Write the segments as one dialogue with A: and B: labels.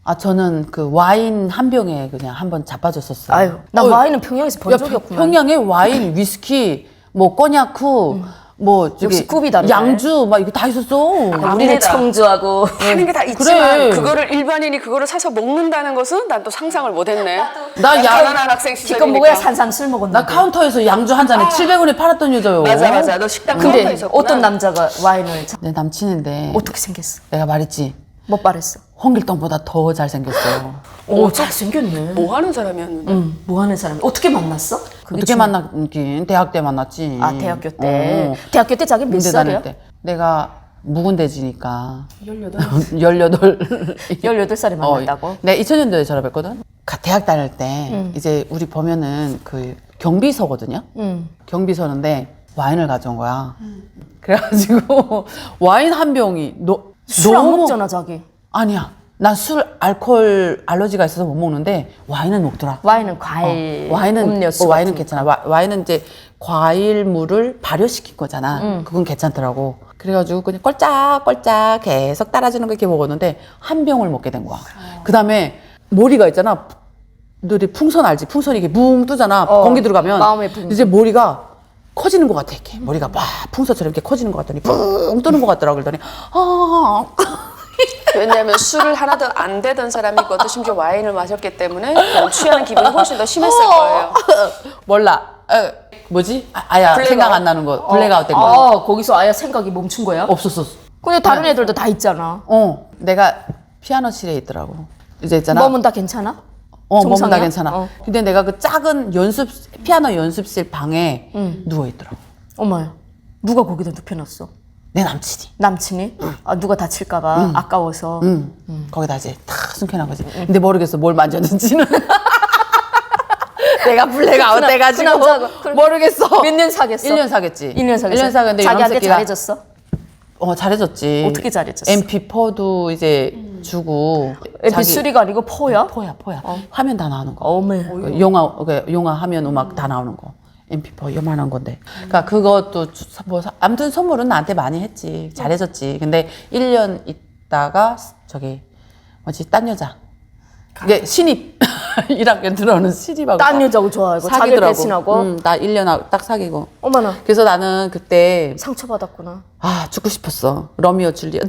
A: 아, 저는 그 와인 한 병에 그냥 한번 자빠졌었어요.
B: 아유, 나 와인은 평양에서 본 적이 없구만.
A: 평양에 와인, 위스키, 뭐 꼬냑쿠, 뭐 저기
B: 역시 급이 다르네.
A: 양주 막 이거 다 있었어.
B: 우리는
C: 아닙니다.
B: 청주하고
C: 하는 게 다 있지만
A: 그래.
C: 그거를 일반인이 그거를 사서 먹는다는 것은 난 또 상상을 못했네.
A: 나
C: 가난한 학생
B: 기껏
C: 시절이니까.
B: 먹어야 산삼 술 먹었는데.
A: 나 카운터에서 양주 한 잔에 700원에 팔았던 여자요.
C: 맞아. 너 식당 카운터에
B: 근데
C: 있었구나.
B: 어떤 남자가 와인을
A: 내 남친인데
B: 어떻게 생겼어?
A: 내가 말했지.
B: 못 바랬어.
A: 홍길동보다 더 잘생겼어요.
B: 오, 잘생겼네.
C: 뭐 하는 사람이었는데?
B: 뭐 하는 사람이 어떻게 만났어? 그게
A: 어떻게 만났긴 대학 때 만났지.
B: 아, 대학교 때.
A: 어.
B: 대학교 때 자기 몇
A: 군대
B: 살이야?
A: 다닐 때. 내가 묵은대지니까
C: 18.
A: 18.
B: 18살에 만났다고?
A: 내가 2000년도에 졸업했거든. 대학 다닐 때 이제 우리 보면은 그 경비서거든요. 경비서인데 와인을 가져온 거야. 그래가지고 와인 한 병이
B: 술 안 먹잖아, 자기.
A: 아니야. 난 술 알코올 알러지가 있어서 못 먹는데 와인은 먹더라.
B: 와인은 과일,
A: 와인은
B: 음료수
A: 와인은
B: 같은
A: 괜찮아. 와인은 이제 과일물을 발효시킨 거잖아. 그건 괜찮더라고. 그래가지고 그냥 껄짝껄짝 계속 따라주는 거 이렇게 먹었는데 한 병을 먹게 된 거야. 그다음에 머리가 있잖아. 너희 풍선 알지? 풍선이 이게 뭉 뜨잖아. 공기 들어가면
B: 마음의 붕.
A: 이제 머리가 커지는 것 같아. 이렇게 머리가 막 풍선처럼 이렇게 커지는 것 같더니 붕 뜨는 것 같더라고. 그러더니
C: 왜냐하면 술을 하나도 안 되던 사람이거든. 심지어 와인을 마셨기 때문에 그런 취하는 기분이 훨씬 더 심했을 거예요.
A: 몰라. 뭐지? 아야
C: 블랙아웃?
A: 생각 안 나는 거. 블랙아웃 된 거.
B: 아, 거기서 아예 생각이 멈춘 거야?
A: 없었어.
B: 근데 다른 애들도 다 있잖아.
A: 내가 피아노실에 있더라고. 이제 있잖아.
B: 몸은 다 괜찮아?
A: 몸은 다
B: 정상이야?
A: 괜찮아. 근데 내가 그 작은 피아노 연습실 방에 누워 있더라고.
B: 어머야, 누가 거기다 눕혀놨어?
A: 내 남친이.
B: 남친이? 아, 누가 다칠까봐 아까워서.
A: 거기다 이제 탁 숨겨놓은 거지. 근데 모르겠어. 뭘 만졌는지는. 내가 블랙아웃
B: 그
A: 돼가지고
B: 남자가 그럼
A: 모르겠어.
B: 몇 년 사귀었어?
A: 1년 사귀었지.
B: 1년 사귀었어?
A: 1년 사귀었는데
B: 자기한테
A: 이놈 새끼가-
B: 잘해줬어?
A: 잘해줬지.
B: 어떻게 잘해줬어?
A: MP4도 이제 주고.
B: MP3가 아니고 포야?
A: 포야. 화면 다 나오는 거.
B: 어메.
A: 그 영화 화면 음악 다 나오는 거. MP4 요만한 건데. 그러니까 그것도 뭐 아무튼 선물은 나한테 많이 했지. 잘해줬지. 근데 1년 있다가 저기 뭐지 딴 여자. 이게 신입 1학년 들어오는 신입하고
B: 딴 여자고 좋아하고 자기
A: 사귀더라고.
B: 배신하고.
A: 나 1년 딱 사귀고.
B: 어머나,
A: 그래서 나는 그때
B: 상처받았구나.
A: 죽고 싶었어. 로미오 줄리엣.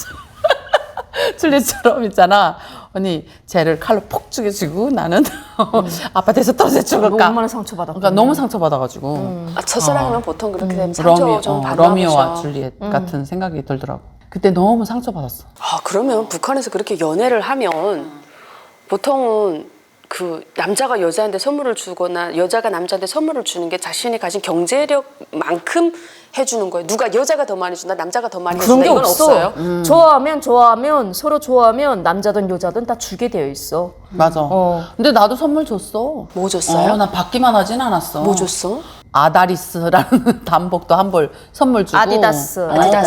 A: 줄리엣처럼 있잖아. 언니 쟤를 칼로 폭 죽여주고 나는 아파트에서 떨어져 죽을까.
B: 얼마나 상처받았구나.
A: 그러니까 너무 상처받아가지고
C: 첫사랑이면 보통 그렇게 되면 상처 좀 받나
A: 로미오와
C: 보죠.
A: 줄리엣 같은 생각이 들더라고. 그때 너무 상처받았어.
C: 그러면 북한에서 그렇게 연애를 하면 보통은 그 남자가 여자한테 선물을 주거나 여자가 남자한테 선물을 주는 게 자신이 가진 경제력만큼 해주는 거예요. 누가 여자가 더 많이 준다, 남자가 더 많이
B: 그런
C: 준다
B: 게
C: 이건
B: 없어.
C: 없어요.
B: 좋아하면 서로 좋아하면 남자든 여자든 다 주게 되어 있어.
A: 맞아. 근데 나도 선물 줬어.
C: 뭐 줬어요?
A: 나 받기만 하진 않았어.
C: 뭐 줬어?
A: 아다리스라는 단복도 한 벌 선물 주고.
B: 아디다스.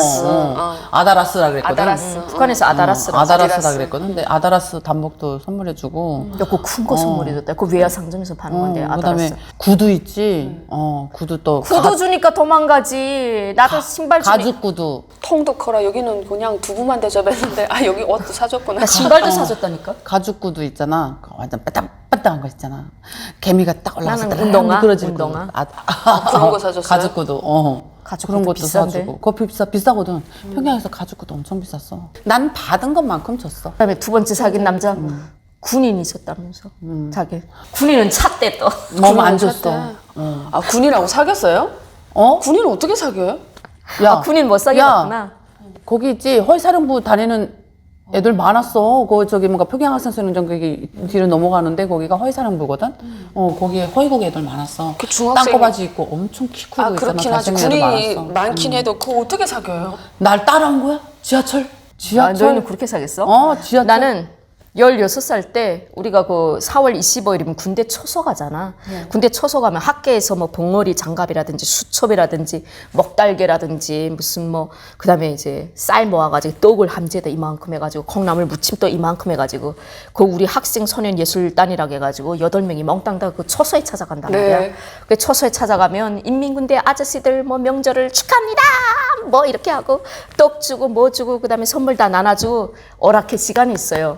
A: 아다라스라 그랬거든.
C: 아다라스.
B: 북한에서 아다라스라.
A: 아다라스라 그랬거든. 근데 아다라스 단복도 선물해주고.
B: 그거 큰 거 선물이었다. 그 외야 상점에서 파는 건데
A: 그다음에
B: 아다라스.
A: 구두 있지. 구두 또.
B: 구두 주니까 도망가지. 나도 신발 주니까.
A: 가죽 구두.
C: 통도 커라. 여기는 그냥 두부만 대접했는데 여기 옷도 사줬구나.
B: 나 신발도 사줬다니까.
A: 가죽 구두 있잖아. 그거 완전 빠딱빠딱한 거 있잖아. 개미가 딱 올라가서
B: 나는 운동화?
A: 그러지.
B: 운동화?
C: 그런 거 사줬어요?
A: 가죽 구두.
B: 가죽
A: 그런
B: 구두
A: 것도
B: 비싼데?
A: 사주고. 그거 비싸거든. 평양에서 가죽 구두 엄청 비쌌어. 난 받은 것만큼 줬어.
B: 그다음에 두 번째 사귄 남자 군인이 있었다면서. 자기 군인은 찼대 또.
A: 너무 안 줬어.
C: 군인하고 사귀었어요? 군인을 어떻게 사귀어요?
A: 야,
B: 군인 못 사귀었구나.
A: 거기 있지. 허위사령부 다니는 애들 많았어. 저기 뭔가 평양학생수련장 거기 뒤로 넘어가는데 거기가 허위사령부거든. 거기에 허위국 애들 많았어.
C: 그 중학생이-
A: 땅꼬바지 입고 엄청 키 크고 있잖아.
C: 그렇긴 하지.
A: 잘생긴 애들
C: 군인이
A: 많았어.
C: 많긴 해도 그거 어떻게 사귀어요?
A: 날 따라온 거야? 지하철?
B: 아, 너희는 그렇게 사겠어?
A: 지하철.
B: 나는 16살 때 우리가 그 4월 25일이면 군대 초소 가잖아. 군대 초소 가면 학계에서 뭐 봉어리 장갑이라든지 수첩이라든지 먹달개라든지 무슨 뭐 그다음에 이제 쌀 모아가지고 떡을 함재다 이만큼 해가지고 콩나물 무침도 이만큼 해가지고 그 우리 학생 소년 예술단이라고 해가지고 8명이 멍땅 다 그 초소에 찾아간단 말이야.
C: 네.
B: 그 초소에 찾아가면 인민군대 아저씨들 뭐 명절을 축하합니다 뭐 이렇게 하고 떡 주고 뭐 주고 그다음에 선물 다 나눠주고 오락회 시간이 있어요. 그럼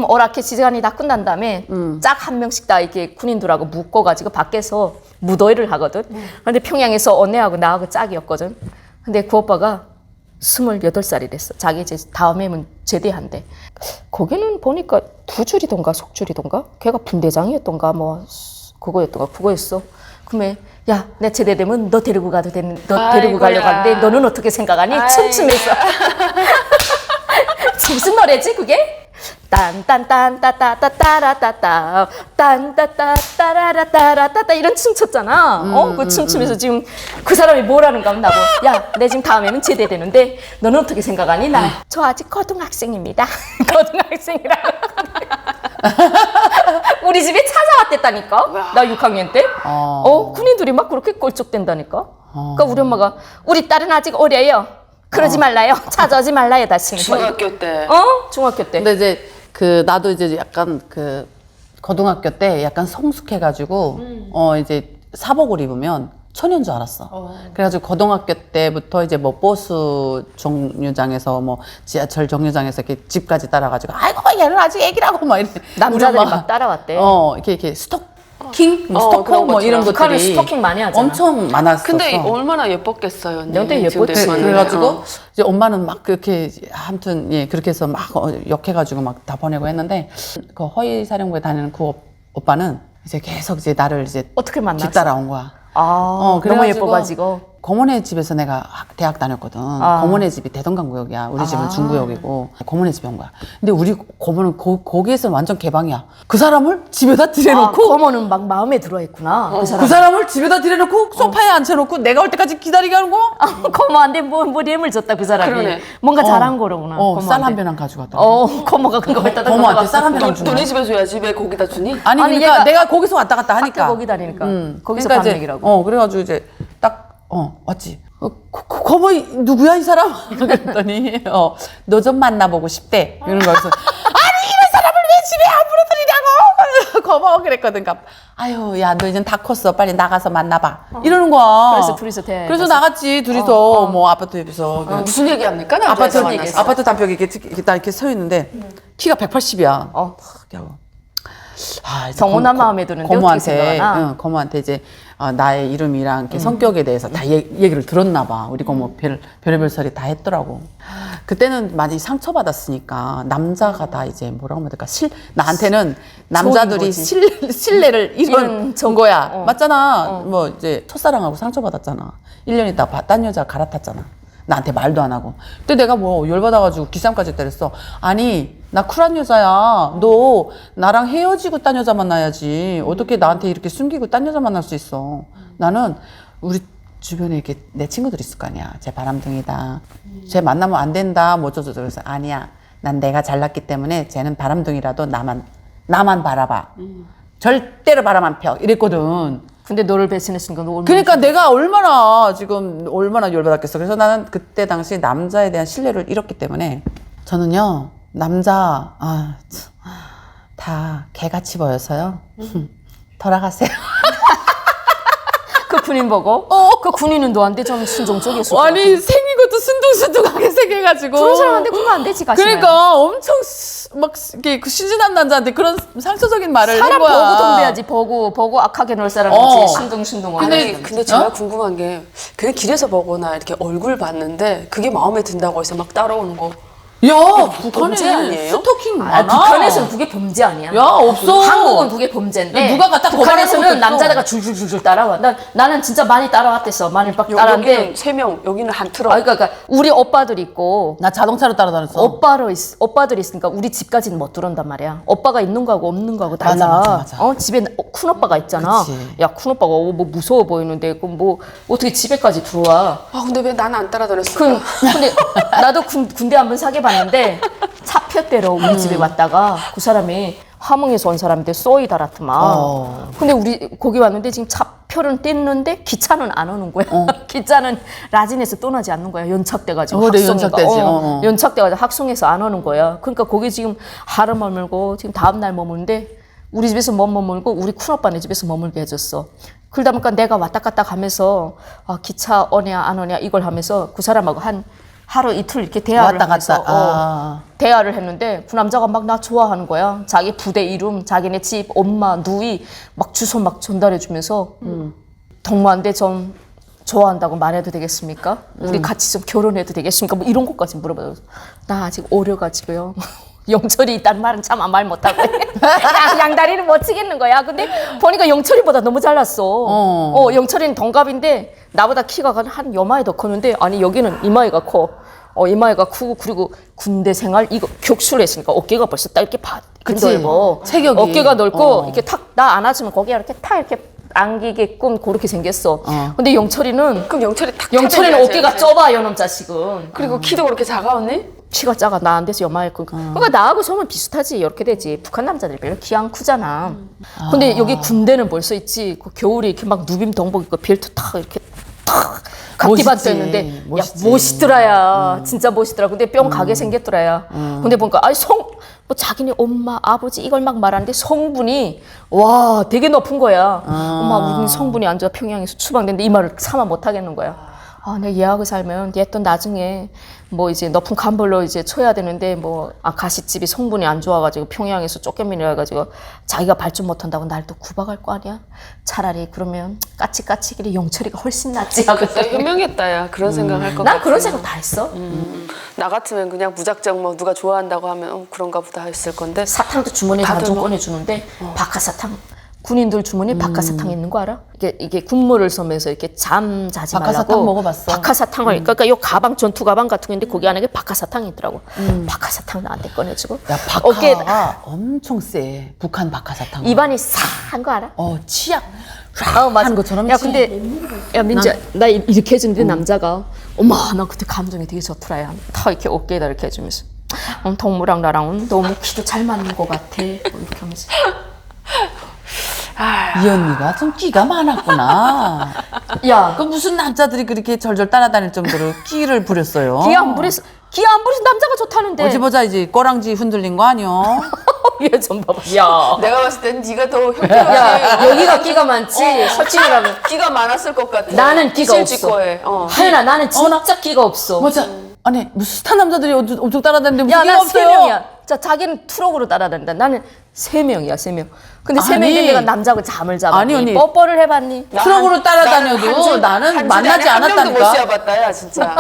B: 그럼 오락해 시간이 다 끝난 다음에 짝 한 명씩 다 이렇게 군인들하고 묶어가지고 밖에서 무도회를 하거든. 근데 평양에서 언니하고 나하고 짝이었거든. 근데 그 오빠가 28살이랬어. 자기 이제 다음에는 제대한대. 거기는 보니까 두 줄이던가 속줄이던가 걔가 분대장이었던가 뭐 그거였어. 그러면 야, 내 제대되면 너 데리고 가도 되는, 너 데리고 가려고 하는데 너는 어떻게 생각하니? 춤추면서. 무슨 노래지 그게? 딴딴딴따따따따라따따 딴따따따라따라따따 이런 춤 췄잖아. 그 춤추면서 지금 그 사람이 뭐라는가 하면 나고 야, 내 지금 다음에는 제대되는데 너는 어떻게 생각하니? 저 아직 고등학생입니다. 고등학생이라고. 우리 집에 찾아왔댔다니까. 나 6학년 때. 군인들이 막 그렇게 꼴쭉댄다니까. 그러니까 우리 엄마가 우리 딸은 아직 어려요. 그러지 말라요. 찾아오지 말라요. 다시.
C: 중학교 때.
B: 중학교 때.
A: 근데 이제 나도 이제 약간 고등학교 때 약간 성숙해가지고 이제 사복을 입으면 천연 줄 알았어. 그래가지고 고등학교 때부터 이제 뭐 버스 정류장에서 뭐 지하철 정류장에서 이렇게 집까지 따라가지고 아이고 얘는 아직 애기라고 막 이렇게
B: 남자들이 막 따라왔대.
A: 이렇게 스토킹, 스토커
C: 그런
A: 뭐 이런
B: 북한은
A: 것들이
B: 스토킹 많이 하잖아.
A: 엄청 많았었어.
C: 근데 얼마나 예뻤겠어요. 언니.
B: 근데
C: 지금
B: 예뻤지.
C: 대만은.
A: 그래가지고 이제 엄마는 막 그렇게 아무튼 예 그렇게 해서 막 역해가지고 막 다 보내고 했는데 그 허위사령부에 다니는 그 오빠는 이제 계속 이제 나를 이제
B: 어떻게 만났어?
A: 뒤따라온 거야.
B: 너무
A: 그래가지고
B: 예뻐가지고.
A: 고모네 집에서 내가 대학 다녔거든. 고모네 집이 대동강구역이야. 우리 집은 중구역이고 고모네 집에 온 거야. 근데 우리 고모는 거기에서 완전 개방이야. 그 사람을 집에다 들여놓고
B: 고모는 막 마음에 들어했구나. 그 사람.
A: 그 사람을 집에다 들여놓고 소파에 앉혀놓고 내가 올 때까지 기다리게 하는 거야.
B: 고모한테 뭐 뇌물 줬다 그 사람이.
C: 그러네.
B: 뭔가 잘한 거로구나.
A: 쌀 한 배랑 가져갔다.
B: 고모가 그거 갖다
A: 고모한테 쌀 한 배랑 준 거야.
C: 너네 집에 줘야지 왜 거기다 주니?
A: 아니
B: 아니,
A: 그러니까
B: 얘가
A: 내가 거기서 왔다 갔다 하니까.
B: 학교 거기 다니니까. 거기서
A: 그러니까
B: 밥
A: 이제,
B: 먹이라고.
A: 그래가지고 이제 딱 왔지. 고모 누구야 이 사람? 그랬더니 너 좀 만나보고 싶대. 이런 거 그래서 아니 이런 사람을 왜 집에 함부로 들이냐고. 고모 그랬거든. 그러니까 아유 야 너 이젠 다 컸어. 빨리 나가서 만나봐. 이러는 거야.
B: 그래서 둘이서 대화해
A: 그래서
B: 봤어?
A: 나갔지 둘이서 뭐 아파트 옆에서
C: 무슨 얘기 합니까?
A: 아파트
C: 남자애가 만나서.
A: 아파트 단벽에 이렇게 딱 이렇게 서 있는데 키가 180이야.
B: 정원아 마음에 드는데 어떻게 생각하나?
A: 고모한테 이제 나의 이름이랑 이렇게 성격에 대해서 다 얘기를 들었나 봐. 우리 고모 별의별 소리 다 했더라고. 그때는 많이 상처받았으니까 남자가 다 이제 뭐라고 해야 될까? 나한테는 남자들이 신뢰를 잃은 거야. 맞잖아. 뭐 이제 첫사랑하고 상처받았잖아. 1년 있다 딴 여자 갈아탔잖아. 나한테 말도 안 하고. 그때 내가 뭐 열받아가지고 기싸움까지 때렸어. 아니 나 쿨한 여자야. 너 나랑 헤어지고 딴 여자 만나야지. 어떻게 나한테 이렇게 숨기고 딴 여자 만날 수 있어. 나는 우리 주변에 이렇게 내 친구들 있을 거 아니야. 쟤 바람둥이다. 쟤 만나면 안 된다. 뭐 어쩌저쩌. 그래서 아니야. 난 내가 잘났기 때문에 쟤는 바람둥이라도 나만 바라봐. 절대로 바람 안 펴. 이랬거든.
B: 근데 너를 배신의 순간 너 얼마나
A: 그러니까 내가 얼마나 열받았겠어. 그래서 나는 그때 당시 남자에 대한 신뢰를 잃었기 때문에 저는요 남자 다 개같이 보여서요. 돌아가세요.
B: 그 군인 보고? 그 군인은 너한테 좀 순종적이었을 것
A: 아니 생긴 것도 순둥순둥하게 생겨가지고.
B: 그런 사람한테 그러면 안 되지 가시면.
A: 그러니까 엄청 막 이렇게 그 신진한 남자한테 그런 상처적인 말을 한
B: 사람
A: 거야.
B: 보고 덤벼야지. 보고 악하게 놀 사람이지. 순둥순둥하게.
C: 근데 제가 궁금한 게 그냥 길에서 보거나 이렇게 얼굴 봤는데 그게 마음에 든다고 해서 막 따라오는 거.
A: 야
C: 범죄
A: 북한에
C: 아니에요?
A: 스토킹 많아.
B: 북한에서는 그게 범죄 아니야.
A: 야 없어.
B: 한국은 그게 범죄인데
A: 누가 갖다 거부하는
B: 북한에서는
A: 것도 없어.
B: 남자애가 줄줄줄줄 따라와. 나는 진짜 많이 따라왔댔어. 많이 막 따라왔는데.
C: 여기는 3명, 여기는 한 트럭.
B: 그러니까 우리 오빠들 있고
A: 나 자동차로 따라다녔어.
B: 오빠들이 있으니까 우리 집까지는 못 들어온단 말이야. 오빠가 있는 거하고 없는 거하고 달라.
A: 맞아.
B: 집에 큰 오빠가 있잖아.
A: 그치.
B: 야, 큰 오빠가 뭐 무서워 보이는데 그럼 뭐 어떻게 집에까지 들어와?
C: 근데 왜 나는 안 따라다녔을까?
B: 근데 나도 군대 한번 사귀어봤는데 차표대로 우리 집에 왔다가 그 사람이 함흥에서 온 사람인데 쏘이 달았더만. 근데 우리 거기 왔는데 지금 차표는 뗐는데 기차는 안 오는 거야. 기차는 라진에서 떠나지 않는 거야. 연착돼가지고.
A: 그래,
B: 학송에가.
A: 연착되지.
B: 연착돼가지고 학송에서 안 오는 거야. 그러니까 거기 지금 하루 머물고 지금 다음 날 머무는데 우리 집에서 못 머물고 우리 큰오빠네 집에서 머물게 해줬어. 그러다 보니까 내가 왔다 갔다 가면서 기차 오냐 안 오냐 이걸 하면서 그 사람하고 한 하루 이틀 이렇게 대화를
A: 왔다
B: 하면서
A: 갔다.
B: 대화를 했는데 그 남자가 막 나 좋아하는 거야. 자기 부대 이름, 자기네 집, 엄마, 누이 막 주소 막 전달해 주면서 동무한테 좀 좋아한다고 말해도 되겠습니까? 우리 같이 좀 결혼해도 되겠습니까? 뭐 이런 것까지 물어봐요. 나 아직 어려가지고요. 영철이 있다는 말은 참 말 못하고 양다리를 못 치겠는 거야. 근데 보니까 영철이보다 너무 잘났어. 영철이는 동갑인데 나보다 키가 한 요마이 더 컸는데 아니 여기는 이마이가 커. 이마이가 크고 그리고 군대 생활 이거 격수를 했으니까 어깨가 벌써 딱 이렇게
A: 그치.
B: 넓어.
A: 체격이.
B: 어깨가 넓고 이렇게 탁 나 안아주면 거기가 이렇게 탁 이렇게 안기게끔 그렇게 생겼어. 근데 영철이는
C: 그럼 영철이 탁
B: 영철이는
C: 차대줘야지,
B: 어깨가
C: 영철이.
B: 좁아 요놈 자식은.
C: 그리고 키도 그렇게 작아 언니?
B: 키가 작아 나 안 돼서 요마했고 그러니까 나하고 som은 비슷하지 이렇게 되지. 북한 남자들이 별로 키 안 크잖아. 근데 여기 군대는 벌써 있지. 그 겨울에 이렇게 막 누빔 동복 입고 벨트 탁 이렇게 탁 각기반도 했는데
A: 멋있지.
B: 야 멋있더라야. 진짜 멋있더라. 근데 뿅 가게 생겼더라야. 근데 보니까 아니 뭐 자기네 엄마 아버지 이걸 막 말하는데 성분이 와 되게 높은 거야. 엄마 우리 성분이 안 좋아 평양에서 추방됐는데 이 말을 참아 못 하겠는 거야. 아, 내가 얘하고 살면 얘 또 나중에 뭐 이제 높은 간벌로 이제 쳐야 되는데 뭐 가시집이 성분이 안 좋아가지고 평양에서 쫓겨민이라 해가지고 자기가 발전 못한다고 날 또 구박할 거 아니야? 차라리 그러면 까치까치길이 영철이가 훨씬 낫지 하고
C: 현명했다 야 그런 생각할 것 같아.
B: 난 그런 생각 다 했어.
C: 나 같으면 그냥 무작정 뭐 누가 좋아한다고 하면 그런가 보다 했을 건데
B: 사탕도 주머니에
C: 다들
B: 반좀
C: 뭐-
B: 꺼내주는데 박하사탕 군인들 주머니에 박하사탕 있는 거 알아? 이게 군무를 쏘면서 이렇게 잠 자지
A: 박하사탕
B: 말라고
A: 먹어봤어.
B: 박하사탕을 그러니까 요 가방 전투 가방 같은 거 있는데 거기 안에 박하사탕이 있더라고. 박하사탕 나한테 꺼내주고
A: 야,
B: 어깨에
A: 박하가 엄청 세. 북한 박하사탕.
B: 입안이 싸한 거 알아?
A: 치약.
B: 맞아.
A: 하는 것처럼
B: 야
A: 치.
B: 근데 야 민지야 나 이렇게 해주는데 남자가 엄마 나 그때 감정이 되게 좋더라. 다 이렇게 어깨에다 이렇게 해주면서 동무랑 나랑은 너무 키도 잘 맞는 것 같아. 뭐 이렇게 하면서.
A: 이 언니가 좀 끼가 많았구나.
B: 야,
A: 그 무슨 남자들이 그렇게 절절 따라다닐 정도로 끼를 부렸어요.
B: 기아 안 부려서 남자가 좋다는데.
A: 어디 보자 이제 꼬랑지 흔들린 거 아니요?
B: 얘 좀 봐봐. 야.
C: 내가 봤을 땐 네가 더 형편없이
B: 야, 여기가 끼가 많지. 솔직히 말하면.
C: 끼가 많았을 것 같아.
B: 나는 끼가 없어.
C: 실직거에.
B: 하연아, 나는 진짜 끼가 없어.
A: 맞아. 아니 무슨 스타 남자들이 엄청 따라다니는데 무슨
B: 야,
A: 끼가
B: 난 세
A: 없어요?
B: 명이야. 자, 자기는 트럭으로 따라다닌다. 나는 3명이야, 3명. 근데 세
A: 아니.
B: 명인데 내가 남자하고 잠을 잡았니?
A: 아니, 언니.
B: 뽀뽀를 해봤니?
A: 트럭으로 따라다녀도 나는 만나지
C: 한 명도 못
A: 않았다니까.
C: 씌워봤다 야 진짜.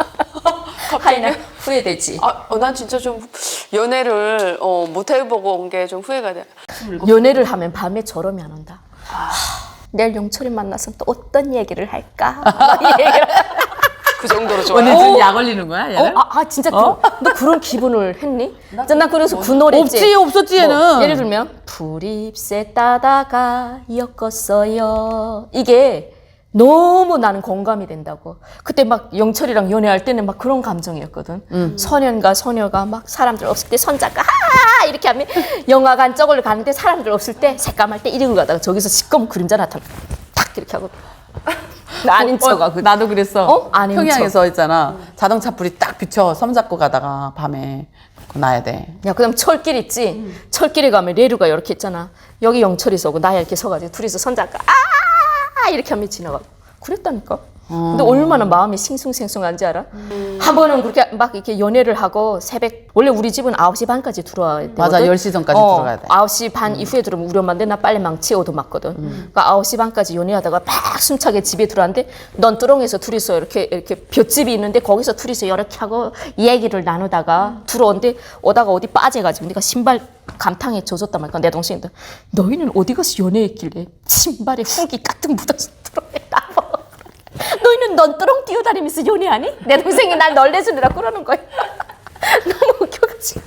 B: 하연아, 후회되지.
C: 난 진짜 좀 연애를 못 해보고 온 게 좀 후회가 돼.
B: 연애를 하면 밤에 졸음이 안 온다. 내일 영철이 만나서 또 어떤 얘기를 할까? 이 얘기를.
C: 그 정도로
A: 언니
C: 좋아요.
A: 지금 약 올리는 거야? 얘는?
B: 진짜 너 그런 기분을 했니? 난 그래서 그 노래 있지.
A: 없었지 얘는.
B: 뭐, 예를 들면 불입새 따다가 엮었어요. 이게 너무 나는 공감이 된다고. 그때 막 영철이랑 연애할 때는 막 그런 감정이었거든. 소년과 소녀가 막 사람들 없을 때 손잡고 이렇게 하면 영화관 저걸 가는데 사람들 없을 때 새까말 때 이러고 가다가 저기서 시꺼먼 그림자 나타나 탁 이렇게 하고 나 아닌 척하고.
A: 나도 그랬어.
B: 아닌
A: 평양에서 있잖아. 자동차 불이 딱 비쳐 섬 잡고 가다가 밤에 그거 놔야 돼.
B: 야, 그다음 철길 있지? 철길에 가면 레류가 이렇게 있잖아. 여기 영철이 서고 나야 이렇게 서가지고 둘이서 손잡고 이렇게 하면 지나가. 그랬다니까. 근데 얼마나 마음이 싱숭생숭한지 알아? 한 번은 그렇게 막 이렇게 연애를 하고 새벽 원래 우리 집은 9시 반까지 들어와야 되거든.
A: 맞아, 10시 전까지 들어가야 돼.
B: 9시 반 이후에 들어오면 우리 엄마인데 나 빨리 망치 얻어맞거든. 그러니까 9시 반까지 연애하다가 막 숨차게 집에 들어왔는데 넌뚜렁에서 둘이서 이렇게 볏집이 있는데 거기서 둘이서 이렇게 하고 얘기를 나누다가 들어오는데 오다가 어디 빠져가지고 내가 신발 감탕에 젖었단 말이야. 내 동생인데 너희는 어디 가서 연애했길래 신발에 흙이 가득 묻어서 들어왔다. 너희는 넌뚜렁 뛰어다니면서 연애하니? 내 동생이 날 널내주느라 그러는 거야. 너무 웃겨가지고.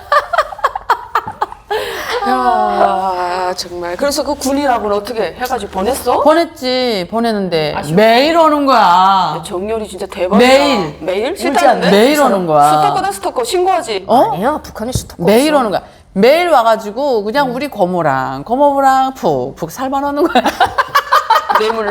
C: 야 정말. 그래서 그 군이라고는 어떻게 해가지고 보냈어?
A: 보냈지. 보냈는데 매일 오는 거야.
C: 정열이 진짜 대박이다.
A: 매일.
C: 매일? 싫다는데?
A: 매일 오는 거야.
C: 스토커다 스토커 신고하지.
B: 아니야, 북한에 스토커
A: 매일
B: 없어.
A: 오는 거야. 매일 와가지고 그냥 우리 고모부랑 푹푹 살만 오는 거야.
C: 뇌물로?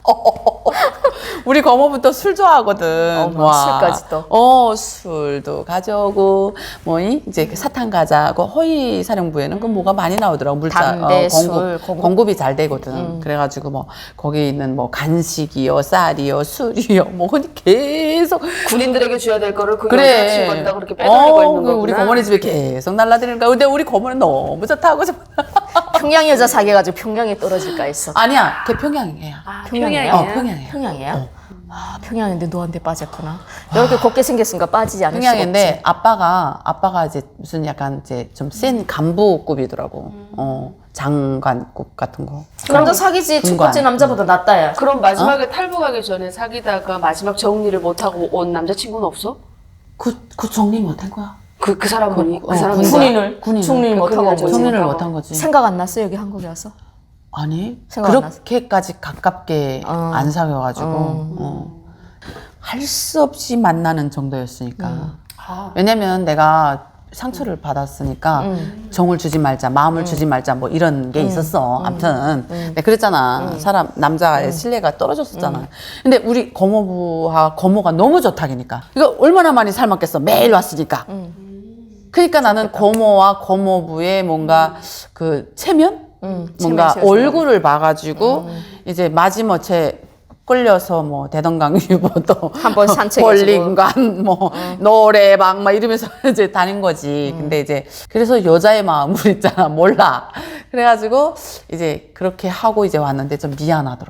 A: 우리 거모부터 술 좋아하거든.
B: 어머, 술까지 또.
A: 술도 가져오고, 이제 사탕 과자고, 허위 사령부에는 그 뭐가 많이 나오더라고.
B: 담배, 술,
A: 공급이 잘 되거든. 그래가지고 거기 있는 간식이요, 쌀이요, 술이요, 계속.
C: 군인들에게 줘야 될 거를 그
A: 그래.
C: 여자친구한테 그렇게 빼돌리고 있는 거구나.
A: 우리 거모네 집에 계속 날라다니는 거야. 근데 우리 거모는 너무 좋다고.
B: 평양 여자 사귀어가지고 평양에 떨어질까 했어.
A: 아니야, 걔 평양이에요.
B: 평양이에요?
A: 평양이에요.
B: 평양이에요? 아, 평양인데 너한테 빠졌구나. 이렇게 곱게 생겼으니까 빠지지 않을 수가 없지.
A: 평양인데 아빠가 이제 무슨 약간 이제 좀 센 간부급이더라고. 장관급 같은 거.
B: 남자 사귀지 첫
A: 중간.
B: 번째 남자보다 낫다 야.
C: 그럼 마지막에 탈북하기 전에 사귀다가 마지막 정리를 못하고 온 남자친구는 없어?
A: 그 정리 못한 거야.
C: 그 사람분이 그
A: 어,
C: 사람이
A: 군인을.
B: 중립 못하고 온 거지.
A: 정리를 못한 거지.
B: 생각 안 났어 여기 한국에 와서?
A: 아니
B: 생각 안 났어?
A: 그렇게까지 가깝게 안 사귀어가지고 할 수 없이 만나는 정도였으니까. 왜냐면 내가 상처를 받았으니까 정을 주지 말자, 마음을 주지 말자 뭐 이런 게 있었어. 아무튼 내가 그랬잖아. 남자의 신뢰가 떨어졌었잖아. 근데 우리 거모가 너무 좋다니까. 이거 얼마나 많이 삶았겠어. 매일 왔으니까. 그러니까 나는 거모와 거모부의 뭔가 그 체면? 뭔가
B: 체면
A: 얼굴을 봐가지고 이제 마지못해 끌려서 대동강 유보도
B: 한번 산책해주고.
A: 볼링관 노래방 막 이러면서 이제 다닌 거지. 근데 이제 그래서 여자의 마음을 있잖아 몰라. 그래가지고 이제 그렇게 하고 이제 왔는데 좀 미안하더라고.